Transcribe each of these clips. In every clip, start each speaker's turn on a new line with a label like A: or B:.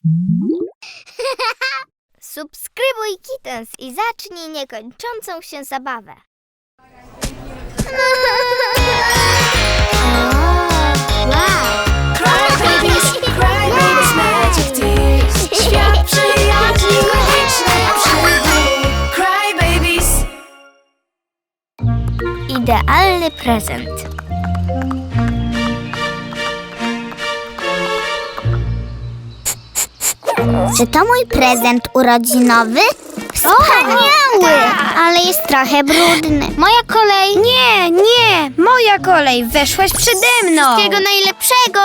A: Subskrybuj Kittens i zacznij niekończącą się zabawę.
B: Cry Babies Magic Tears. Świat przyjaciół, magicznych przygód. Cry Babies.
A: Idealny prezent. Czy to mój prezent urodzinowy? Wspaniały! Ale jest trochę brudny. Moja kolej.
C: Nie, moja kolej, weszłaś przede mną.
A: Wszystkiego najlepszego.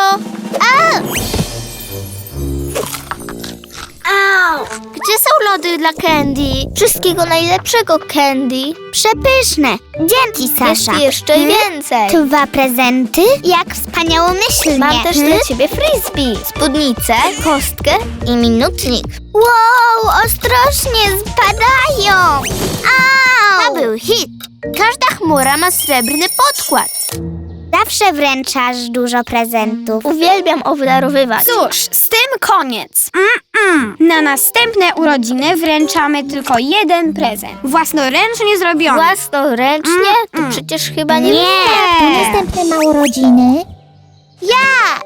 A: Au! Gdzie są lody dla Candy? Wszystkiego najlepszego, Candy. Przepyszne. Dzięki, Sasza. Jest jeszcze więcej. 2 prezenty? Jak wspaniałomyślnie. Mam też dla ciebie frisbee, spódnicę, kostkę i minutnik. Wow, ostrożnie spadają. Au! To był hit. Każda chmura ma srebrny podkład. Zawsze wręczasz dużo prezentów. Uwielbiam obdarowywać.
C: Cóż, z tym koniec. Na następne urodziny wręczamy tylko 1 prezent. Własnoręcznie zrobiony.
A: Własnoręcznie? To przecież chyba nie...
C: Nie.
A: Następne ma urodziny. Ja!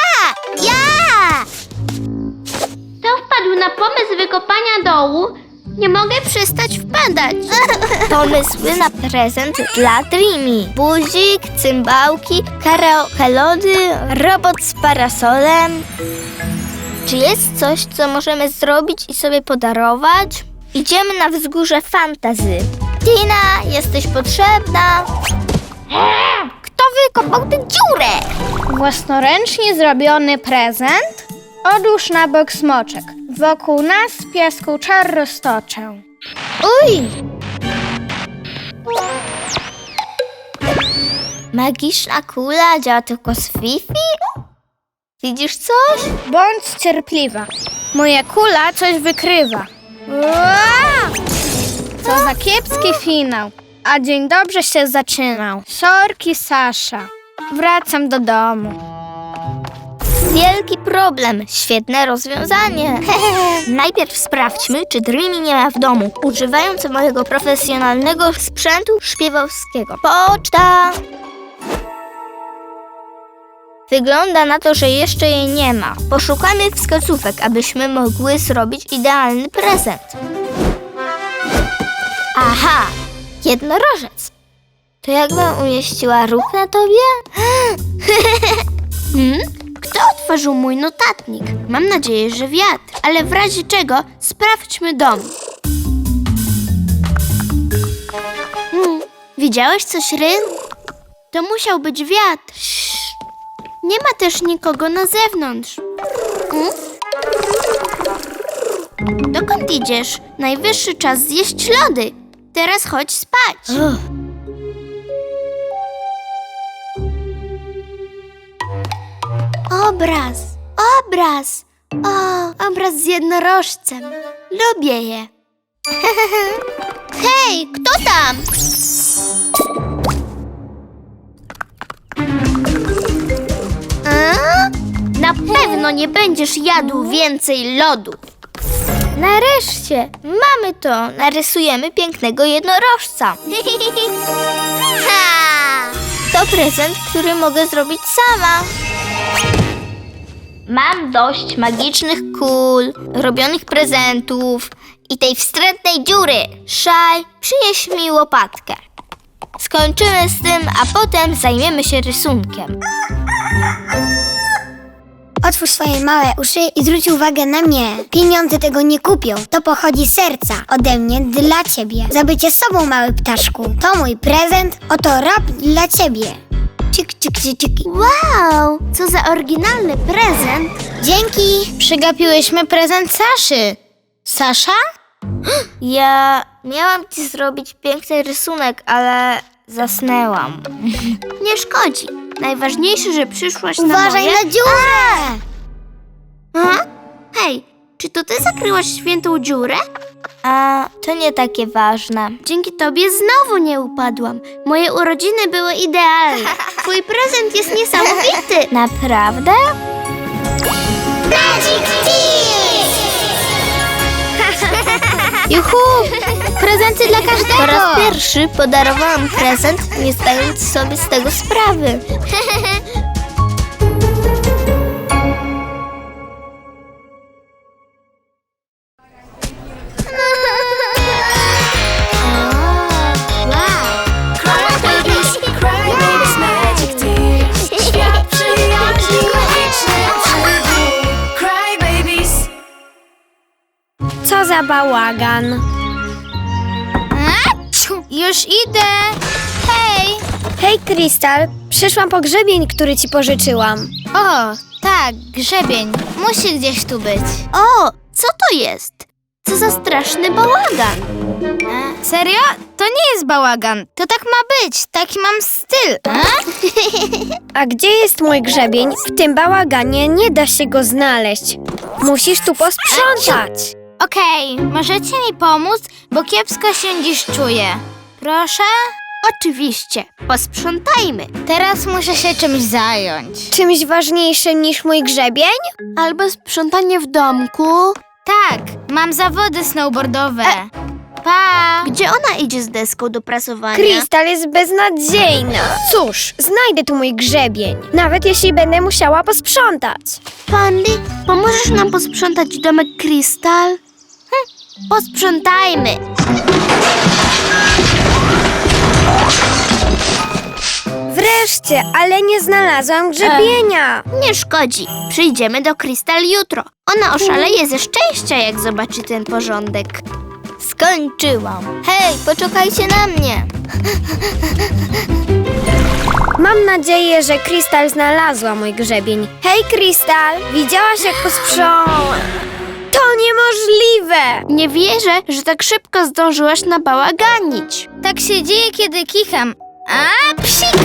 A: Kto wpadł na pomysł wykopania dołu? Nie mogę przestać wpadać. Pomysły na prezent dla Dreamy. Buzik, cymbałki, karaoke lody, robot z parasolem. Czy jest coś, co możemy zrobić i sobie podarować? Idziemy na wzgórze fantasy. Tina, jesteś potrzebna. Kto wykopał tę dziurę?
C: Własnoręcznie zrobiony prezent? Odłóż na bok smoczek. Wokół nas piasku czar roztoczę.
A: Uj! Magiczna kula działa tylko z Fifi? Widzisz coś?
C: Bądź cierpliwa. Moja kula coś wykrywa. Co za kiepski finał. A dzień dobrze się zaczynał. Sorki, Sasza. Wracam do domu.
A: Wielki problem. Świetne rozwiązanie. Najpierw sprawdźmy, czy Dreamy nie ma w domu, używając mojego profesjonalnego sprzętu szpiegowskiego. Poczta! Wygląda na to, że jeszcze jej nie ma. Poszukamy wskazówek, abyśmy mogły zrobić idealny prezent. Aha! Jednorożec! To jakbym umieściła róg na tobie? Kto otworzył mój notatnik? Mam nadzieję, że wiatr, ale w razie czego sprawdźmy dom. Widziałeś coś, Ryn? To musiał być wiatr. Nie ma też nikogo na zewnątrz. Dokąd idziesz? Najwyższy czas zjeść lody. Teraz chodź spać. Obraz. Obraz z jednorożcem. Lubię je. Hej, kto tam? Na pewno nie będziesz jadł więcej lodów. Nareszcie, mamy to. Narysujemy pięknego jednorożca. To prezent, który mogę zrobić sama. Mam dość magicznych kul, robionych prezentów i tej wstrętnej dziury. Szaj, przynieś mi łopatkę. Skończymy z tym, a potem zajmiemy się rysunkiem.
D: Otwórz swoje małe uszy i zwróć uwagę na mnie. Pieniądze tego nie kupią. To pochodzi z serca. Ode mnie dla ciebie. Za bycie sobą, mały ptaszku. To mój prezent. Oto rap dla ciebie. Cik, cik, cik, cik.
A: Wow, co za oryginalny prezent.
D: Dzięki.
C: Przegapiłyśmy prezent Saszy. Sasza?
A: Ja miałam ci zrobić piękny rysunek, ale zasnęłam. Nie szkodzi. Najważniejsze, że przyszłaś na
D: Uważaj
A: moje...
D: na dziurę.
A: Hej, czy to ty zakryłaś świętą dziurę? A, to nie takie ważne. Dzięki tobie znowu nie upadłam. Moje urodziny były idealne. Twój prezent jest niesamowity. Naprawdę?
D: Magic Tears!
C: Juhu! Prezenty dla każdego!
A: Po raz pierwszy podarowałam prezent, nie zdając sobie z tego sprawy.
B: Cry babies, magic tears. Świat przyjaźni, magicznych przygód. Cry babies.
D: Co za bałagan.
C: Już idę! Hej!
D: Hej, Krystal, przyszłam po grzebień, który ci pożyczyłam.
C: O, tak, grzebień. Musi gdzieś tu być.
A: O, co to jest? Co za straszny bałagan.
C: Serio? To nie jest bałagan. To tak ma być. Taki mam styl.
D: A gdzie jest mój grzebień? W tym bałaganie nie da się go znaleźć. Musisz tu posprzątać.
C: Okej, możecie mi pomóc, bo kiepsko się dziś czuję. Proszę?
A: Oczywiście, posprzątajmy.
C: Teraz muszę się czymś zająć.
D: Czymś ważniejszym niż mój grzebień?
A: Albo sprzątanie w domku.
C: Tak, mam zawody snowboardowe. Pa!
A: Gdzie ona idzie z deską do prasowania?
D: Krystal jest beznadziejna. Cóż, znajdę tu mój grzebień. Nawet jeśli będę musiała posprzątać.
A: Pandy, pomożesz nam posprzątać domek Krystal? Posprzątajmy.
D: Wreszcie, ale nie znalazłam grzebienia.
A: Nie szkodzi. Przyjdziemy do Krystal jutro. Ona oszaleje ze szczęścia, jak zobaczy ten porządek. Skończyłam. Hej, poczekajcie na mnie.
D: Mam nadzieję, że Krystal znalazła mój grzebień. Hej, Krystal, widziałaś jak posprzątałam? To niemożliwe!
A: Nie wierzę, że tak szybko zdążyłaś nabałaganić.
C: Tak się dzieje, kiedy kicham. A, psik!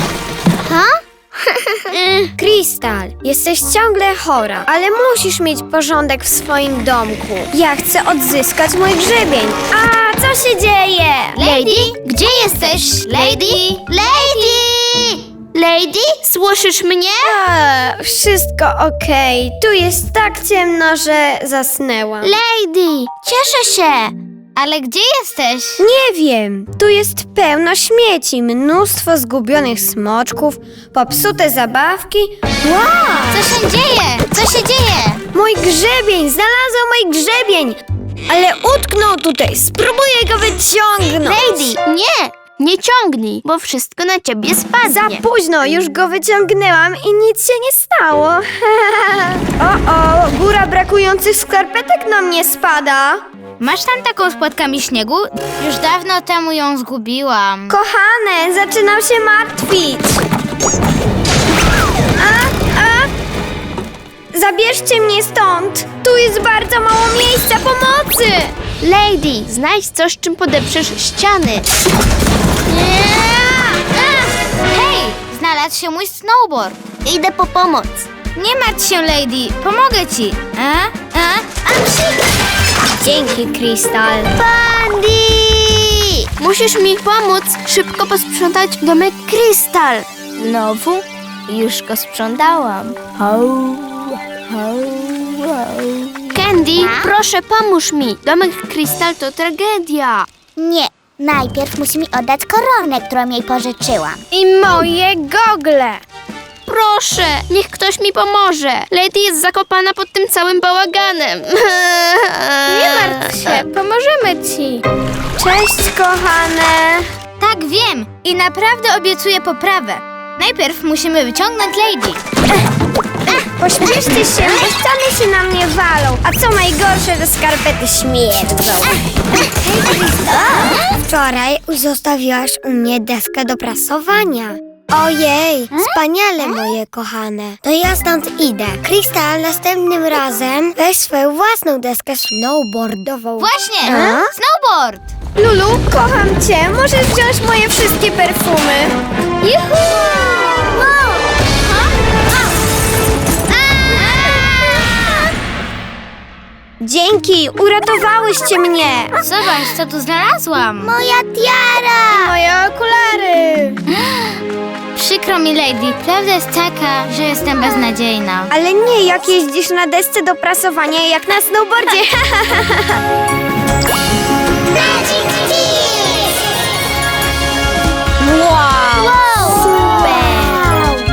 D: Krystal, jesteś ciągle chora, ale musisz mieć porządek w swoim domku. Ja chcę odzyskać mój grzebień. A, co się dzieje?
C: Lady, gdzie jesteś? Lady?
A: Lady! Lady, słyszysz mnie?
D: Wszystko okej. Tu jest tak ciemno, że zasnęłam.
A: Lady, cieszę się.
C: Ale gdzie jesteś?
D: Nie wiem, tu jest pełno śmieci, mnóstwo zgubionych smoczków, popsute zabawki. Wow!
C: Co się dzieje? Co się dzieje?
D: Mój grzebień! Znalazłam mój grzebień! Ale utknął tutaj, spróbuję go wyciągnąć.
A: Lady, nie ciągnij, bo wszystko na ciebie spadnie.
D: Za późno, już go wyciągnęłam i nic się nie stało. O, góra brakujących skarpetek na mnie spada.
C: Masz tam taką z płatkami śniegu? Już dawno temu ją zgubiłam.
D: Kochane, zaczynam się martwić. Zabierzcie mnie stąd. Tu jest bardzo mało miejsca pomocy.
A: Lady, znajdź coś, czym podeprzesz ściany.
C: Hej, znalazł się mój snowboard.
A: Idę po pomoc.
C: Nie martw się, Lady, pomogę ci.
D: Dzięki, Krystal.
A: Pandy! Musisz mi pomóc szybko posprzątać domek Krystal. Znowu? Już go sprzątałam. Candy, proszę pomóż mi. Domek Krystal to tragedia.
E: Nie, najpierw musi mi oddać koronę, którą jej pożyczyłam.
D: I moje gogle.
A: Proszę, niech ktoś mi pomoże. Lady jest zakopana pod tym całym bałaganem.
C: Nie martw się, pomożemy ci.
D: Cześć, kochane.
C: Tak, wiem i naprawdę obiecuję poprawę. Najpierw musimy wyciągnąć Lady.
D: Pośpieszcie się, bo ściany się na mnie walą. A co najgorsze, że skarpety śmierdzą. Wczoraj zostawiłaś u mnie deskę do prasowania. Ojej, wspaniale, moje kochane. To ja stąd idę. Krystal, następnym razem weź swoją własną deskę snowboardową.
C: Właśnie,
D: A?
C: snowboard.
D: Lulu, kocham cię. Możesz wziąć moje wszystkie perfumy.
C: Juhu!
D: Dzięki, uratowałyście mnie.
C: Zobacz, co tu znalazłam.
E: Moja tiara!
D: Moje okulary.
C: Przykro mi, Lady. Prawda jest taka, że jestem beznadziejna.
D: Ale nie jak jeździsz na desce do prasowania, jak na snowboardzie.
A: Magic Tears!
C: Wow!
A: Super!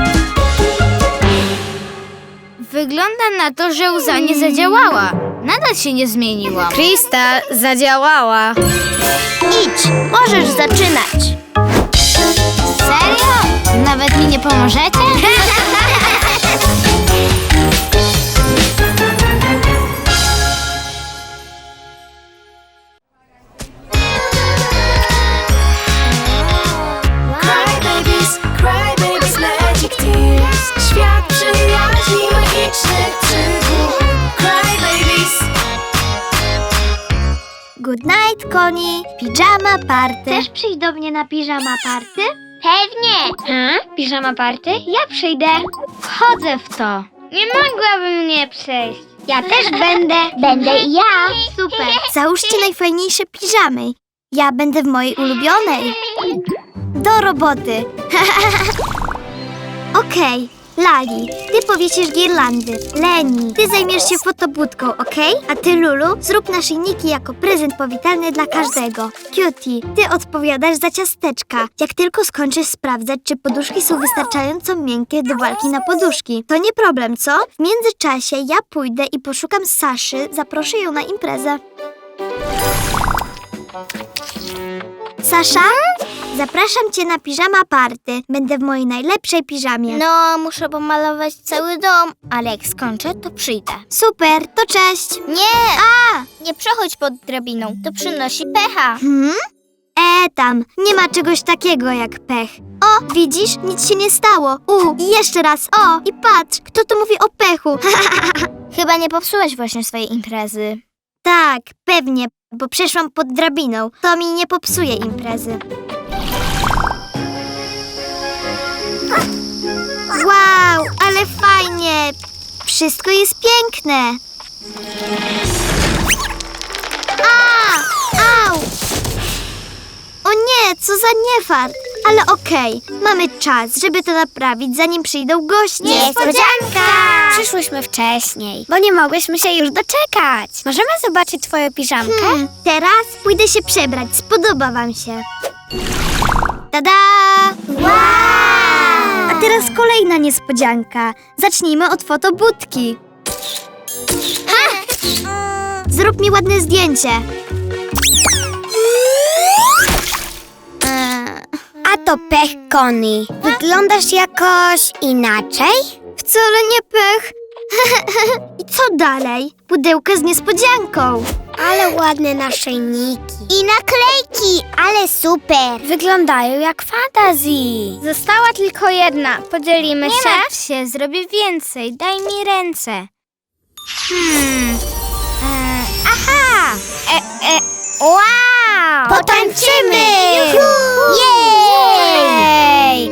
C: Wygląda na to, że łza nie zadziałała. Nadal się nie zmieniła. Krystal zadziałała.
A: Idź, możesz zaczynać.
C: Serio? Nawet mi nie pomożecie?
B: Cry babies, magic tears. Świat przyjaźni, magicznych przygód. Cry babies.
A: Good night, Koni. Pijama party. Chcesz przyjść do mnie na pijama party? Pewnie.
C: Piżama party? Ja przyjdę. Wchodzę w to. Nie mogłabym nie przyjść.
A: Ja też będę. Będę i ja. Super. Załóżcie najfajniejsze piżamy. Ja będę w mojej ulubionej. Do roboty. Okej, Lali, ty powiesisz girlandy. Leni, ty zajmiesz się fotobudką, okej? A ty, Lulu, zrób naszyjniki jako prezent powitalny dla każdego. Cutie, ty odpowiadasz za ciasteczka. Jak tylko skończysz sprawdzać, czy poduszki są wystarczająco miękkie do walki na poduszki. To nie problem, co? W międzyczasie ja pójdę i poszukam Saszy, zaproszę ją na imprezę. Sasza? Zapraszam cię na piżama party. Będę w mojej najlepszej piżamie.
E: No, muszę pomalować cały dom, ale jak skończę, to przyjdę.
A: Super, to cześć.
E: Nie! Nie przechodź pod drabiną, to przynosi pecha.
A: Tam, nie ma czegoś takiego jak pech. O, widzisz? Nic się nie stało. I jeszcze raz. O, i patrz, kto tu mówi o pechu?
E: Chyba nie popsułeś właśnie swojej imprezy.
A: Tak, pewnie, bo przeszłam pod drabiną. To mi nie popsuje imprezy. Wow, ale fajnie. Wszystko jest piękne. Au! O nie, co za niefart. Ale okej, mamy czas, żeby to naprawić, zanim przyjdą goście.
D: Niespodzianka! Przyszłyśmy wcześniej, bo nie mogłyśmy się już doczekać. Możemy zobaczyć twoją piżamkę?
A: Teraz pójdę się przebrać, spodoba wam się. Tada!
E: Wow!
A: A teraz kolejna niespodzianka. Zacznijmy od fotobudki. Zrób mi ładne zdjęcie.
D: A to pech, Connie. Wyglądasz jakoś inaczej?
A: Wcale nie pech. I co dalej? Pudełka z niespodzianką.
D: Ale ładne naszyjniki.
E: I naklejki, ale super.
D: Wyglądają jak fantazji.
C: Została tylko jedna. Podzielimy się?
E: martw się, zrobię więcej. Daj mi ręce. Aha! Wow!
D: Potańczymy!
E: Jej!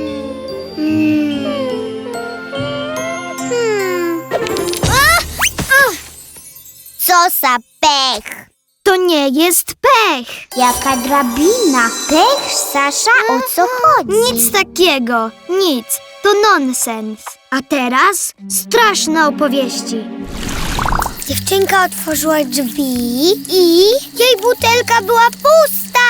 E: Co za pech!
A: To nie jest pech.
E: Jaka drabina! Pech, Sasza, o co chodzi?
A: Nic takiego. Nic. To nonsens. A teraz straszne opowieści.
D: Dziewczynka otworzyła drzwi i jej butelka była pusta!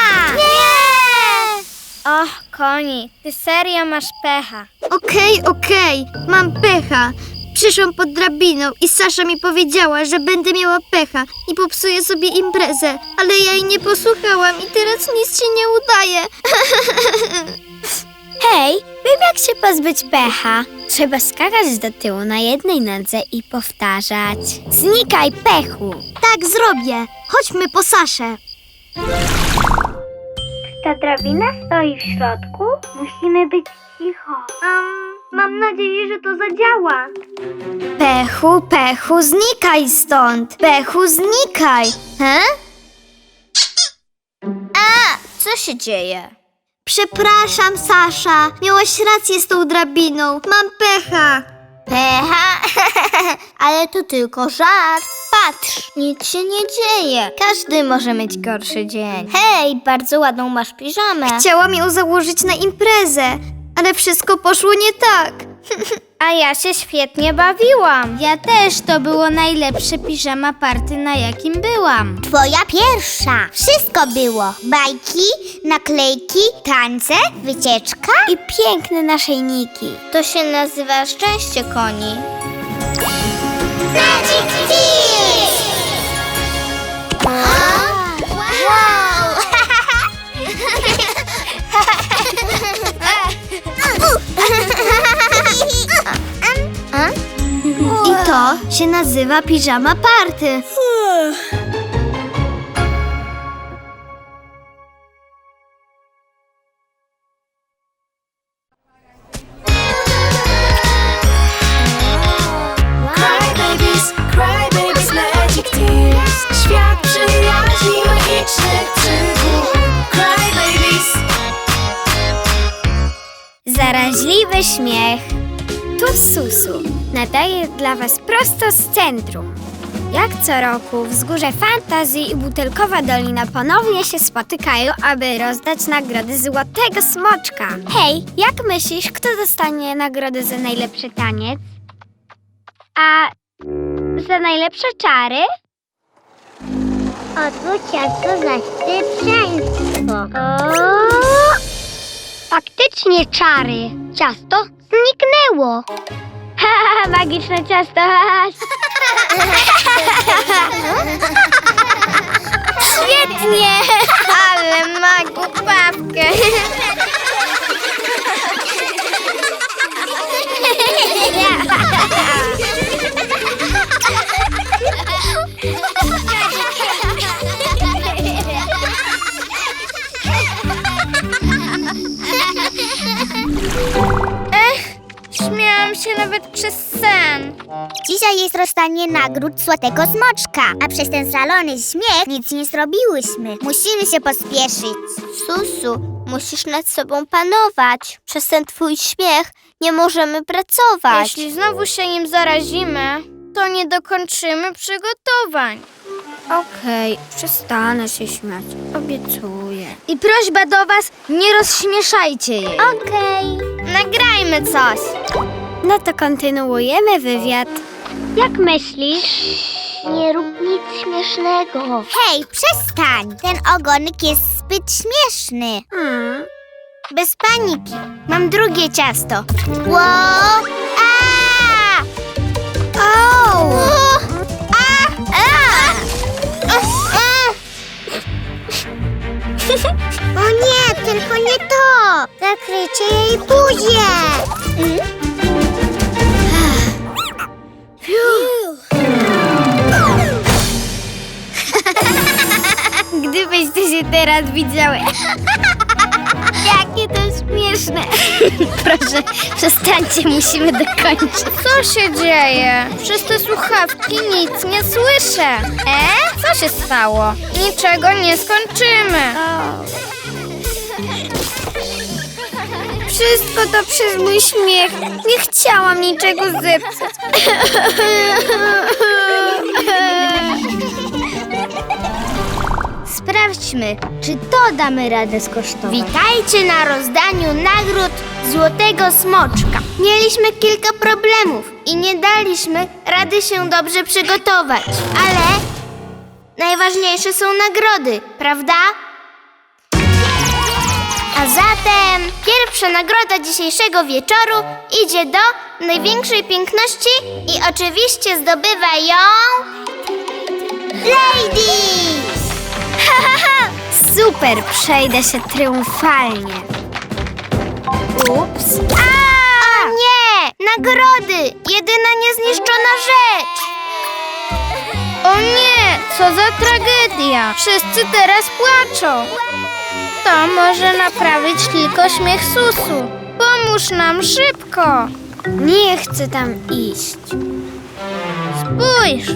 C: Och, Koni, ty serio masz pecha.
A: Okej, mam pecha. Przyszłam pod drabiną i Sasza mi powiedziała, że będę miała pecha i popsuję sobie imprezę, ale ja jej nie posłuchałam i teraz nic się nie udaje.
D: Hej, wiem jak się pozbyć pecha. Trzeba skakać do tyłu na jednej nodze i powtarzać: znikaj, pechu!
A: Tak zrobię. Chodźmy po Saszę.
C: Ta drabina stoi w środku? Musimy być cicho.
A: Mam nadzieję, że to zadziała. Pechu, znikaj stąd. Pechu, znikaj.
E: Co się dzieje?
A: Przepraszam, Sasza. Miałaś rację z tą drabiną. Mam pecha.
E: Pecha? Ale to tylko żart. Patrz, nic się nie dzieje. Każdy może mieć gorszy dzień. Hej, bardzo ładną masz piżamę.
A: Chciałam ją założyć na imprezę, ale wszystko poszło nie tak.
C: A ja się świetnie bawiłam.
A: Ja też, to było najlepsze piżama party, na jakim byłam. Twoja pierwsza. Wszystko było. Bajki, naklejki, tańce, wycieczka i piękne naszyjniki.
E: To się nazywa szczęście koni.
A: Magic Kiss! Wow!
E: I to się nazywa piżama party.
B: Cry babies, magic tears. Świat przyjaźni, magicznych przygód. Cry babies.
D: Zaraźliwy śmiech. Tu Susu. Nadaję dla Was prosto z centrum. Jak co roku Wzgórze Fantazji i Butelkowa Dolina ponownie się spotykają, aby rozdać nagrody Złotego Smoczka. Hej, jak myślisz, kto dostanie nagrodę za najlepszy taniec? A za najlepsze czary?
A: Odwróć ciasto za szybszeństwo.
D: Faktycznie czary. Ciasto zniknęło. Haha, magiczne ciasto.
C: Świetnie! Ale ma głupawkę. Śmiałam się nawet przez sen.
A: Dzisiaj jest rozdanie nagród Złotego Smoczka, a przez ten szalony śmiech nic nie zrobiłyśmy. Musimy się pospieszyć.
E: Susu, musisz nad sobą panować. Przez ten twój śmiech nie możemy pracować.
C: Jeśli znowu się nim zarazimy, to nie dokończymy przygotowań.
D: Okej, przestanę się śmiać. Obiecuję.
C: I prośba do was, nie rozśmieszajcie jej.
A: Okej.
C: Nagrajmy coś.
D: No to kontynuujemy wywiad. Jak myślisz?
A: Nie rób nic śmiesznego. Hej, przestań! Ten ogonek jest zbyt śmieszny. Bez paniki. Mam drugie ciasto. Ło! A! O! A! A! O nie, tylko nie to! Zakryjcie jej buzię!
C: Gdybyście się teraz widziały.
A: Jakie to śmieszne!
C: Proszę, przestańcie, musimy dokończyć. Co się dzieje? Przez te słuchawki nic nie słyszę. Co się stało? Niczego nie skończymy. Wszystko to przez mój śmiech. Nie chciałam niczego zepsuć.
A: Sprawdźmy, czy to damy radę skosztować. Witajcie na rozdaniu nagród Złotego Smoczka. Mieliśmy kilka problemów i nie daliśmy rady się dobrze przygotować. Ale najważniejsze są nagrody, prawda? A zatem pierwsza nagroda dzisiejszego wieczoru idzie do największej piękności i oczywiście zdobywa ją Lady!
D: Super, przejdę się triumfalnie. Ups.
A: O nie! Nagrody! Jedyna niezniszczona rzecz!
C: O nie, co za tragedia. Wszyscy teraz płaczą. To może naprawić tylko śmiech Susu. Pomóż nam szybko.
D: Nie chcę tam iść.
C: Spójrz.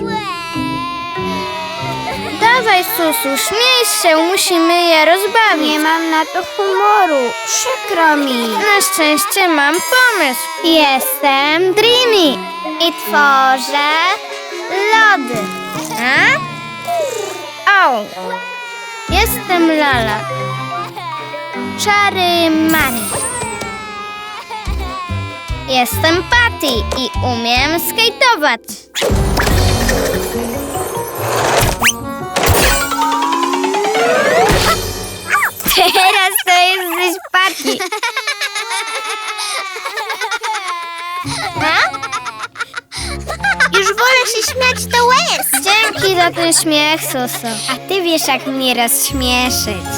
C: Dawaj, Susu, śmiej się, musimy je rozbawić.
D: Nie mam na to humoru. Przykro mi.
C: Na szczęście mam pomysł.
A: Jestem Dreamy i tworzę lody.
C: A? Au. Jestem Lala. Czary Mary. Jestem Patty i umiem skejtować.
A: Teraz to jesteś Patty. Już wolę się śmiać do łez.
C: Dzięki za ten śmiech, Suso.
A: A ty wiesz, jak mnie rozśmieszyć.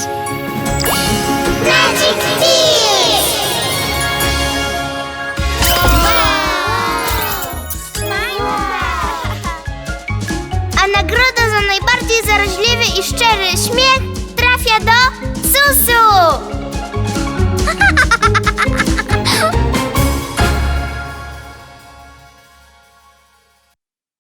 A: Magic Kiss! A nagroda za najbardziej zaraźliwy i szczery śmiech trafia do Susu!